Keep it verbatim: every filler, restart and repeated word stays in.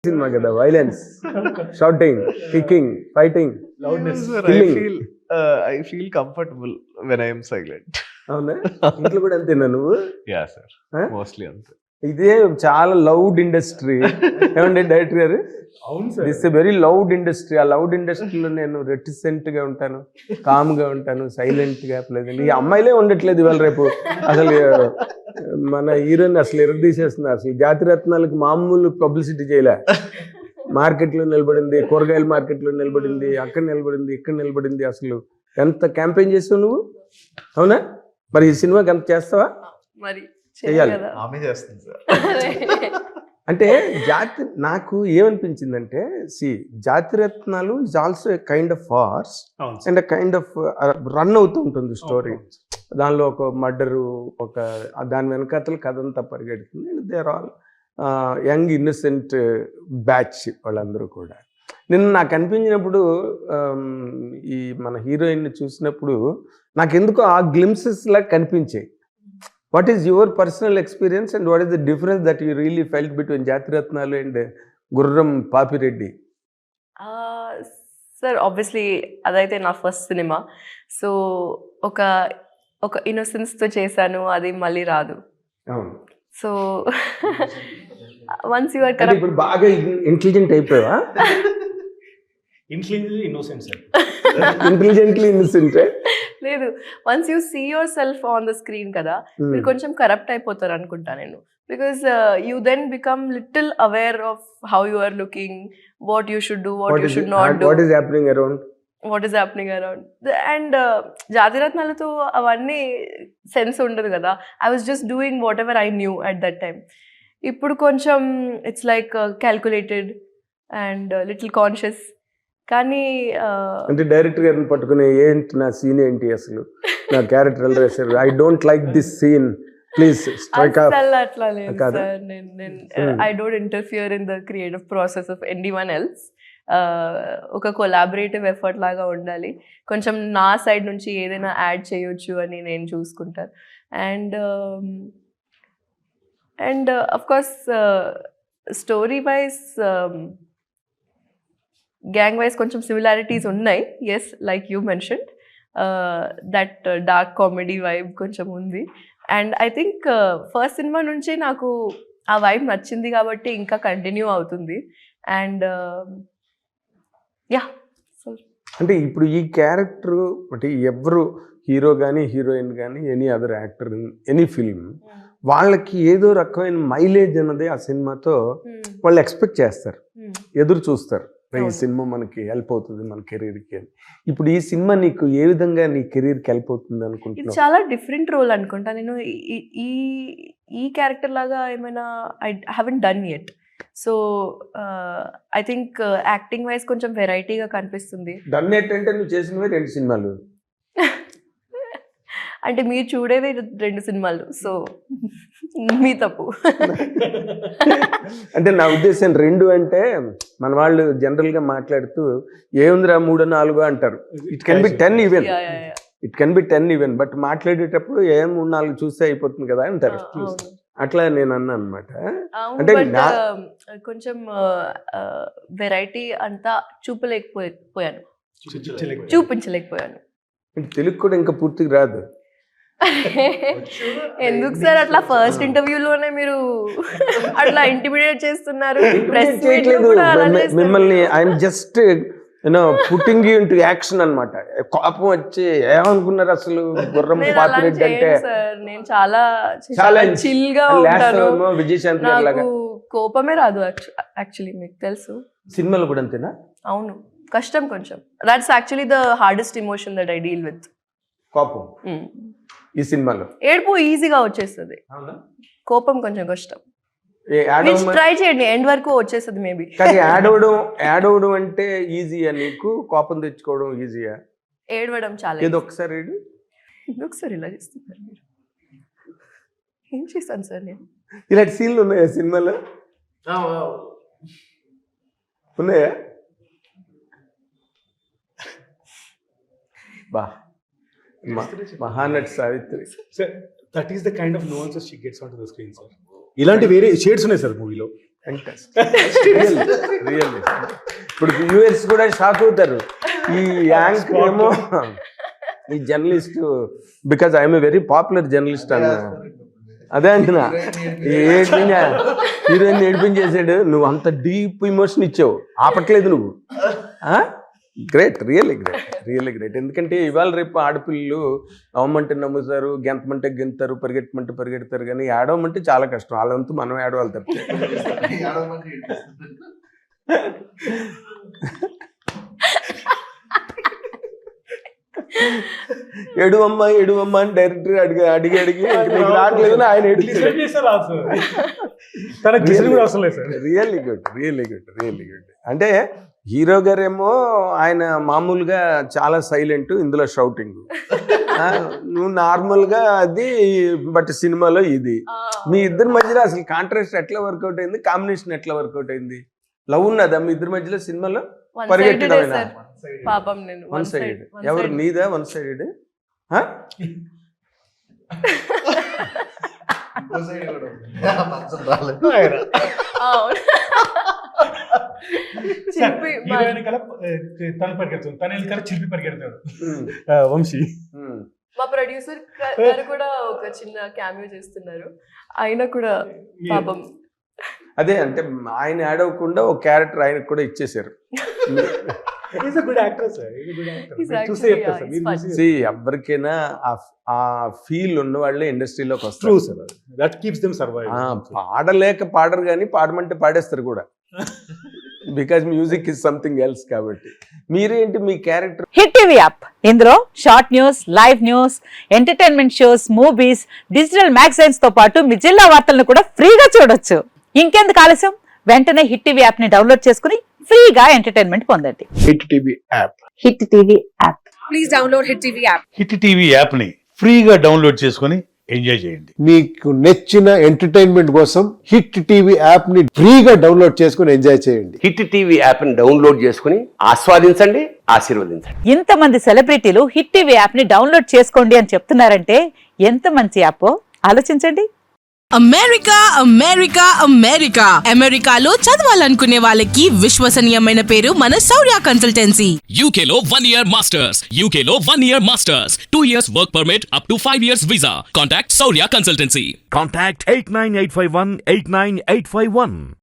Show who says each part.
Speaker 1: Cinema కదా, violence, shouting, kicking, fighting,
Speaker 2: loudness. Sir, I
Speaker 1: killing.
Speaker 2: feel uh, I feel comfortable when I am silent.
Speaker 1: అవునా? ఇంట్లో కూడా అంతేనా నువ్వు?
Speaker 2: Yeah, sir.
Speaker 1: Huh?
Speaker 2: Mostly అంతే.
Speaker 1: ఇదే చాలా లౌడ్ ఇండస్ట్రీ. ఏమండి డైరెక్టర్ గారు?
Speaker 3: అవును sir.
Speaker 1: This a very loud industry. ఆ లౌడ్ ఇండస్ట్రీలో నేను రెటిసెంట్ గా ఉంటాను, కామ్ గా ఉంటాను, సైలెంట్ గా. ప్లెజెంట్. ఈ అమ్మాయిలే ఉండట్లేదు ఇవాళ రేపు. అసలు మన హీరోయిన్ అసలు ఎరగదీసేస్తున్నారు. అసలు జాతి రత్నాలకు మామూలు పబ్లిసిటీ చేయలే. మార్కెట్లో నిలబడింది, కూరగాయల మార్కెట్లో నిలబడింది, అక్కడ నిలబడింది, ఇక్కడ నిలబడింది. అసలు ఎంత క్యాంపెయిన్ చేస్తావు నువ్వు? అవునా? మరి ఈ సినిమాకి ఎంత చేస్తావా?
Speaker 4: మరి
Speaker 1: చెయ్యాలి.
Speaker 2: ఆమె చేస్తుంది సార్.
Speaker 1: అంటే జాతి నాకు ఏమనిపించిందంటే, see Jathiratnalu is also a kind of farce
Speaker 3: అవును sir.
Speaker 1: And kind of run అవుతూ ఉంటుంది స్టోరీ.
Speaker 3: అవును.
Speaker 1: దానిలో ఒక మర్డరు, ఒక దాని వెనకాతల కథ అంతా పరిగెడుతుంది. And they are all young innocent batch వాళ్ళందరూ కూడా. నిన్న నాకు అనిపించినప్పుడు ఆమ్, ఈ మన హీరోయిన్ చూసినప్పుడు నాకు ఎందుకో ఆ గ్లిమ్సెస్ లాగా కనిపించాయి. What is your personal experience and what is the difference that you really felt between Jathiratnalu and Gurram Papireddy?
Speaker 4: Sir obviously అదైతే నా ఫస్ట్ సినిమా. సో ఒక ఒక ఇన్నోసెన్స్తో చేశాను, అది మళ్ళీ రాదు.
Speaker 1: అవును.
Speaker 4: సో వన్స్ యువర్
Speaker 1: అంటే
Speaker 4: కరెక్ట్.
Speaker 1: ఇప్పుడు బాగా ఇంటెలిజెంట్ అయిపోయావా?
Speaker 3: Intelligently innocent సార్.
Speaker 1: Intelligently innocent.
Speaker 4: లేదు, once you see yourself on the screen కదా, మీరు కొంచెం కరప్ట్ అయిపోతారు అనుకుంటా నేను. Because you then become little aware of how you are looking, what you should do, what you should not do,
Speaker 1: what is happening around.
Speaker 4: What is happening around. And జాతిరత్నాలతో అవన్నీ sense ఉండదు కదా. I was just doing whatever I knew at that time. ఇప్పుడు కొంచెం it's like calculated and little conscious. కానీ uh,
Speaker 1: అంటే director గారిని పట్టుకుని, ఏంటి నా సీన్ ఏంటి, అసలు నా క్యారెక్టర్ ఎలా రాశారు, I don't like this scene, please strike off.
Speaker 4: అసలు అట్లా లేదు
Speaker 1: కాదా?
Speaker 4: సార్. నేను నేను I don't interfere in the creative process of anyone else. ఒక కొలాబరేటివ్ ఎఫర్ట్ లాగా ఉండాలి. కొంచెం నా సైడ్ నుంచి ఏదైనా యాడ్ చేయొచ్చు అని నేను చూసుకుంటాను. And and of course story wise, gang wise కొంచెం సిమిలారిటీస్ ఉన్నాయి. Yes, like you mentioned, that dark comedy vibe కొంచెం ఉంది. And I think first cinema నుంచి నాకు ఆ వైబ్ నచ్చింది కాబట్టి ఇంకా కంటిన్యూ అవుతుంది. అండ్ యా, సో
Speaker 1: అంటే ఇప్పుడు ఈ క్యారెక్టర్ అంటే ఎవరు హీరో కానీ హీరోయిన్ కానీ any other actor in any film, వాళ్ళకి ఏదో రకమైన మైలేజ్ అన్నది ఆ సినిమాతో వాళ్ళు ఎక్స్పెక్ట్ చేస్తారు, ఎదురు చూస్తారు. ఈ సినిమా మనకి హెల్ప్ అవుతుంది మన కెరీర్కి అని. ఇప్పుడు ఈ సినిమా నీకు ఏ విధంగా నీ కెరీర్కి హెల్ప్ అవుతుంది
Speaker 4: ఇది
Speaker 1: అనుకుంటున్నావు?
Speaker 4: చాలా డిఫరెంట్ రోల్ అనుకుంటా. నేను ఈ- ఈ ఈ క్యారెక్టర్ లాగా ఏమైనా I haven't done yet. So I think acting wise కొంచెం వెరైటీగా కనిపిస్తుంది.
Speaker 1: డన్ ఏంటంటే నువ్వు చేసినవే రెండు సినిమాలు.
Speaker 4: అంటే మీరు చూడేది రెండు సినిమాలు, సో మీ తప్పు.
Speaker 1: అంటే నా ఉద్దేశం రెండు అంటే మన వాళ్ళు జనరల్గా మాట్లాడుతూ ఏముందిరా మూడో నాలుగో అంటారు. It can be ten even,
Speaker 4: Yeah, yeah, yeah.
Speaker 1: It can be ten even, but మాట్లాడేటప్పుడు ఏ మూడు నాలుగు చూస్తే అయిపోతుంది కదా అంటారు.
Speaker 4: ఆ, అవును.
Speaker 1: అట్లా నేను అన్నా అనమాట.
Speaker 4: అవును,
Speaker 1: అంటే
Speaker 4: బట్
Speaker 1: నా-
Speaker 4: కొంచెం వెరైటీ అంతా చూపలేకపోయాను,
Speaker 3: చూపించలేకపోయాను.
Speaker 4: చూపించలేకపోయాను.
Speaker 1: తెలుగు కూడా ఇంకా పూర్తిగా రాదు.
Speaker 4: ఎందుకు సార్ అట్లా ఫస్ట్ ఇంటర్వ్యూలోనే మీరు అట్లా ఇంటిమిడియేట్ చేస్తున్నారు? ప్రెస్ మీట్
Speaker 1: చేయట్లేదు
Speaker 4: కూడా అలా
Speaker 1: మిమ్మ-
Speaker 4: చేస్తారు.
Speaker 1: మిమ్మల్ని I'm just you know putting you into action అనమాట. కోపం వచ్చి ఏమనుకున్నారు అసలు గుర్రం
Speaker 4: నేను అలా
Speaker 1: పాపిరెడ్డి అంటే
Speaker 4: చేయను సార్. నేను చాలా చాలా
Speaker 1: Challenge.
Speaker 4: చిల్ గా
Speaker 1: లాస్ట్
Speaker 4: ఉంటాను.
Speaker 1: విజయశాంతి గారి లాగా.
Speaker 4: నాకు కోపమే రాదు యాక్చువల్లీ, మీకు తెలుసు.
Speaker 1: సినిమాలు కూడా అంతేనా?
Speaker 4: అవును, కష్టం కొంచెం. That's actually the hardest emotion that I deal with.
Speaker 1: కోపం ఈ సినిమాలో
Speaker 4: ఏడుపు ఈజీగా వచ్చేస్తుంది, కోపం కొంచెం కష్టం.
Speaker 1: ఏ యాడ్
Speaker 4: మీరు
Speaker 1: అవ్వమ-
Speaker 4: ట్రై చేయండి, ఎండ్ వరకు వచ్చేస్తుంది మేబీ.
Speaker 1: కానీ యాడ్ అవ్వడం యాడ్ అవ్వడం అంటే ఈజీయా నీకు? కోపం తెచ్చుకోవడం ఈజీయా?
Speaker 4: ఏడవడం చాలా
Speaker 1: ఏదో ఒకసారి ఏడు.
Speaker 4: ఎందుకు సార్ ఇలా చేస్తున్నారు మీరు? ఏం చేశాను సార్ నేను?
Speaker 1: ఇలాంటి సీన్లు ఉన్నాయా సినిమాలో? ఉన్నాయా? బా మ- Mahanati Savitri.
Speaker 3: Sir, that is the kind of nuances she gets onto the screen, sir. ఇలాంటి వేరే షేడ్స్ ఉన్నాయి సార్ మూవీలో.
Speaker 1: రియల్లీ ఇప్పుడు వ్యూవర్స్ కూడా షాక్ అవుతారు. ఈ యాంక్ ఏమో ఈ journalist, because I'm very popular journalist అన్న. అదే అంటున్నా, ఏంటి హీరోయిన్ ఏడిపించేసాడు, నువ్వు అంత డీప్ ఇమోషన్ ఇచ్చావు, ఆపట్లేదు నువ్వు. Great, really great, really great. ఎందుకంటే ఇవాళ రేపు ఆడపిల్లలు నవ్వమంటే నమ్ముతారు, గెంతమంటే గెంతారు, పరిగెట్టమంటే పరిగెడతారు, కానీ ఏడవమంటే చాలా కష్టం. వాళ్ళంతా మనం ఏడవాలి తప్ప. ఎడువమ్మ ఎడువమ్మ అని డైరెక్టర్ అడిగి అడిగి అడిగి నీకు రావట్లేదు ఆయన really good, really good, really good. అంటే హీరో గారేమో ఆయన మామూలుగా చాలా సైలెంట్, ఇందులో షౌటింగ్. నువ్వు నార్మల్గా అది, బట్ సినిమాలో ఇది. మీ ఇద్దరి మధ్యలో అసలు కాంట్రాస్ట్ ఎట్లా వర్కౌట్ అయింది, కాంబినేషన్ ఎట్లా వర్కౌట్ అయింది? లవ్ ఉన్నదా మీ ఇద్దరి మధ్యలో సినిమాలో? పరిగెట్టడమేనా?
Speaker 4: పాపం నేను
Speaker 1: వన్ సైడ్. ఎవరు నీదా వన్ సైడ్?
Speaker 3: తను పరిగెడుతుంది, తన వెనకాల చిలిపి పరిగెడతాడు వంశీ.
Speaker 4: మా ప్రొడ్యూసర్ గారు కూడా ఒక చిన్న క్యామియో చేస్తున్నారు, ఆయన కూడా పాపం.
Speaker 1: అదే అంటే ఆయన యాడ్ అవ్వకుండా ఒక క్యారెక్టర్ ఆయనకు కూడా ఇచ్చేసారు. ఎవరికైనా ఆ ఫీల్ ఉన్న వాళ్ళే ఇండస్ట్రీలోకి వస్తారు. పాడలేక పాడరు, కానీ పాడమంటే పాడేస్తారు కూడా, because music is something else. కాబట్టి మీరేంటి మీ క్యారెక్టర్?
Speaker 5: హిట్ టీవీ యాప్, ఇందులో short news, live news, entertainment shows, movies, digital magazines తో పాటు మీ జిల్లా వార్తలను కూడా ఫ్రీగా చూడొచ్చు. ఇంకెందుకు ఆలస్యం, వెంటనే హిట్ టీవీ యాప్ ని డౌన్లోడ్ చేసుకుని ఫ్రీగా ఎంటర్టైన్మెంట్ పొందండి.
Speaker 6: Hit TV app,
Speaker 5: hit TV app.
Speaker 7: Please download hit TV app.
Speaker 6: Hit TV app ని ఫ్రీగా డౌన్లోడ్ చేసుకుని ఎంజాయ్ చేయండి.
Speaker 8: మీకు నచ్చిన ఎంటర్టైన్మెంట్ కోసం హిట్ టీవీ యాప్ ని ఫ్రీగా డౌన్లోడ్ చేసుకుని ఎంజాయ్ చేయండి.
Speaker 9: హిట్ టీవీ యాప్ ని డౌన్లోడ్ చేసుకుని ఆస్వాదించండి, ఆశీర్వదించండి.
Speaker 5: ఇంతమంది సెలబ్రిటీలు హిట్ టీవీ యాప్ ని డౌన్లోడ్ చేసుకోండి అని చెప్తున్నారంటే ఎంత మంచి యాప్ ఆలోచించండి.
Speaker 7: అమెరికా అమెరికా అమెరికా అమెరికాలో చదవాలనుకునే వాళ్ళకి విశ్వసనీయమైన పేరు మన శౌర్య కన్సల్టెన్సీ.
Speaker 10: యూకేలో వన్ ఇయర్ మాస్టర్స్, యూకేలో one year masters, two years work permit, up to five years visa. Contact Shourya consultancy.
Speaker 11: Contact eight nine eight five one eight nine eight five one.